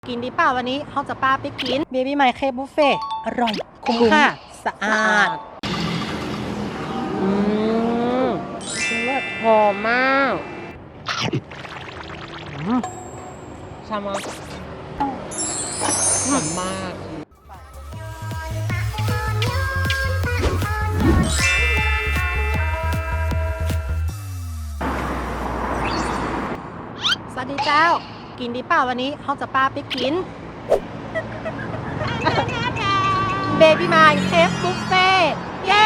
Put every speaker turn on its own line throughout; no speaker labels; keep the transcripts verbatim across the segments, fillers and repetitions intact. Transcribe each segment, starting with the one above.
กินดีเปล่าวันนี้เขาจะป้าไปกินเบบี้ไมค์เคบุฟเฟ่อร่อยคุ้มค่าสะอาดอืมเลิศหอมมากชามะหอมมากสวัสดีเจ้ากินดีเปล่าวันนี้เขาจะป้าไปกินเบบี้ไมค์เคฟบุฟเฟ่เย้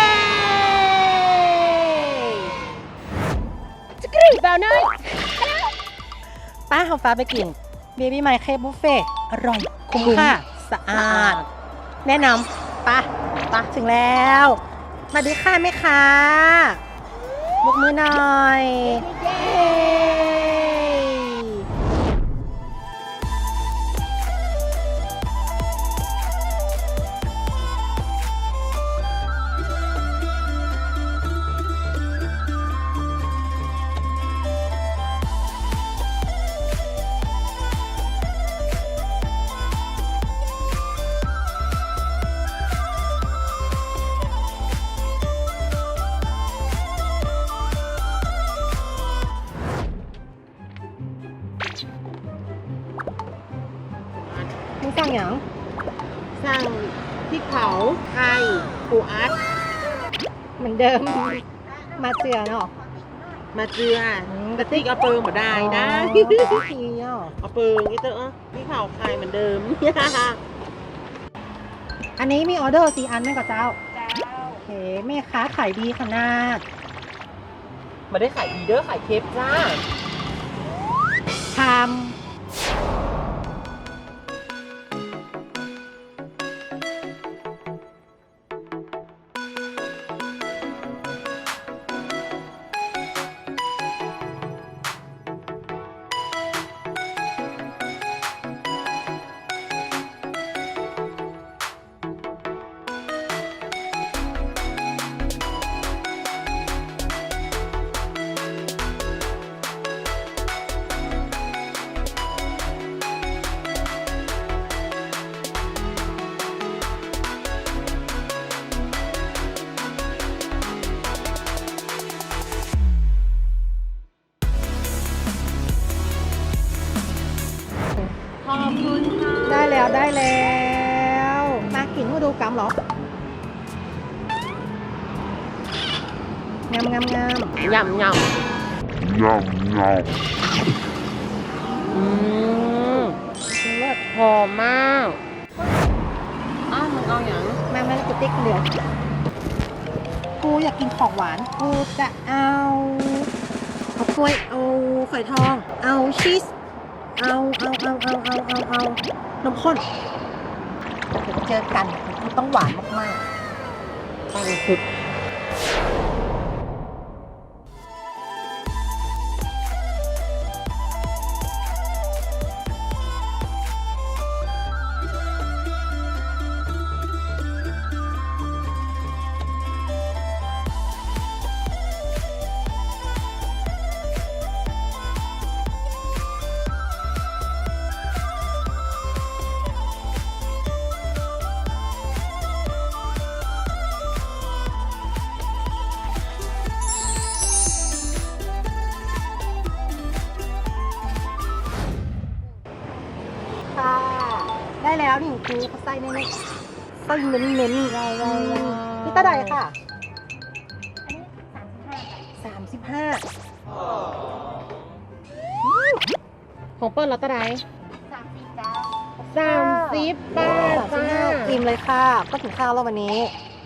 จะกรีบเปล่าเนยป้าเขาฟ้าไปกินเบบี้ไมค์เคฟบุฟเฟ่อร่อยคุ้มค่าสะอาดแนะนำป้าป้าถึงแล้วสวัสดีค่ะแม่ค้าบกมือหน่อยเย้มึงสั่งอย่าง
สั่งพริกเผาไข่ปูอัด
เหมือนเดิม มาเจือเนาะ
มาเจือกระติกเอาเปิงมาได้นะ
อ๋อทีอ่ะ
เอาเปิงนี่เตอะพริกเผาไข่เหมือนเดิม
อันนี้มีออเดอร์สี่อันไหมกับเจ้าเจ้าโอเคแม่ค้าขายดีขนาด
มาได้ขายดีเด้อขายเคปจ้า
ชาม
ขอบคุณค่ะ
ได้แล้วได้แล้วมากินมาดูกำเหรอ งามงามงาม
ยำย
Yum, yum.
อืมเลิศ
ำหอมมากอ้าวมึงเอาอย่าง
มาแม่กูติ๊กเดียวกูอยากกินของหวานกูจะเอาเอากล้วยเอาฝอยทอง เอาชีสเอาเอาเอาเอาเอาเอาเอานมข้นเดี๋ยวเจอกันกูต้องหวานมาก
ปังสุด
ๆค่ะได้แล้วนี่กูเขาใส่เน้นๆใส่เน้นเน้นๆนี่ตาใดค่ะสามสิบห้า
ของเปิ้ลรัตได
สามสิบเก้า
สามสิบบาท
สามสิบ
จ้า
ห้าอิ่มเลยค่ะ ก็ถึงข้าวแล้ววันนี้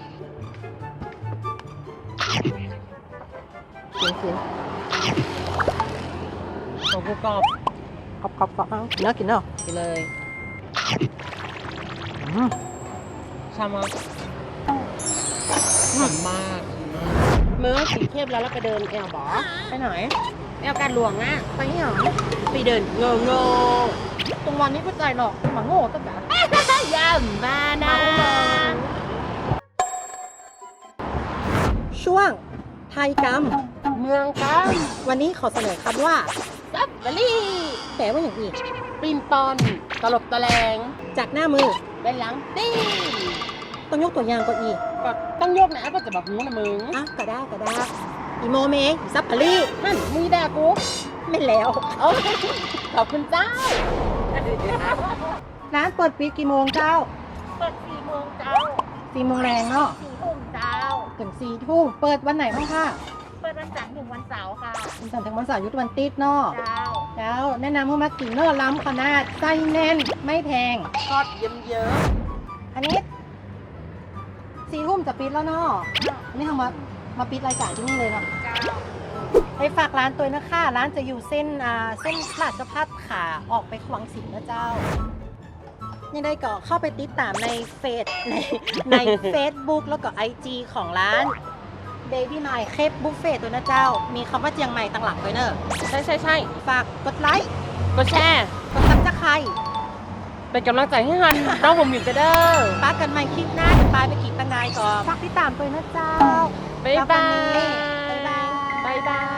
กินกิน
ของกูกรอบ
กรอบกรอบกรอบเอากินเนาะกินเนาะ
กินเลย
อืม
ชามะหอมมากเมื่อสีเข้มแล้วเราไปเดินแอลบอ
ไปไหน
แอลการหลวงอ่ะ
ไปนี่หรอ
ไปเดินโง่โง่
ตรงวันนี้ก็ใจหรอกหมาโง่ตั้งแต่
ย่ำมานะ
ช่วงไทยกรรม
เมืองกัน
วันนี้ขอเสนอคำว่า
ซับเบอรี่
แปลว่าอย่างอีก
ปรินปอนตลบตะแลง
จากหน้ามือ
ด้านหลังตี้
ต้องยกตัวอย่างก็อีก
ก็ต้องยกนะก็จะแบบหูนะมึง
อ่ะก็ได้ก็ได้อีโมเมงซับพารี
ฮั่นมึงด่ากู
ไม่แล้ว
โอ้ขอบคุณเจ้า
ร้านเปิดปิดกี่โมงเจ้า
เปิดสี่โมงเจ้า
สี่โมงแรงเนาะ
สี่ทุ่มเจ้า
ถึงสี่ทุ่มเปิดวันไหนบ้างคะ
เปิดวันจันทร์ถึงวันเสาร์ค่ะ
วันจันทร์ถึงวันเสาร์หยุดวันติดเนาะ
เจ้า
แล้วแนะนำให้มากินเนอร์ล้ำขนาดไส้แน่นไม่แพง
ทอดเยิ้มเยิ้ม
อันนี้สี่ทุ่มจะปิดแล้วเนาะอันนี้ทำมามาปิดรายการที่นี่เลยเนาะ
เจ้า
ไปฝากร้านตัวนะคะร้านจะอยู่เส้นอ่าเส้นราชพัฒขาออกไปขวังสิงห์นะเจ้า ยังได้ก็เข้าไปติดตามในเฟซในใน Facebook แล้วก็ ไอ จี ของร้าน Baby My Cape Buffet ตัวนะเจ้า มีคำว่าเจียงใหม่ตั้งหลังด้วยเนอะ
ใช่ใช่ใช่
ฝากกดไลค์
กดแชร์
กดซับสไครต์
เป็นกำลังใจให้ฮันน้องผมอยู่กันเด้อ
ป้ากันใหม่คลิปหน้าจะปลายไปกินตังไงก่อนฝากติดตามตัวนะเจ้า
บ๊ายบาย
บ๊ายบาย
บ๊ายบาย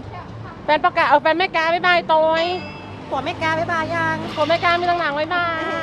แฟนประกาศเอาแฟนแม่กาบ๊ายบายตอย
ผัวไม่กล้าบ๊ายบายยัง
ผมแม่กามีตั้งหลังบ๊ายบาย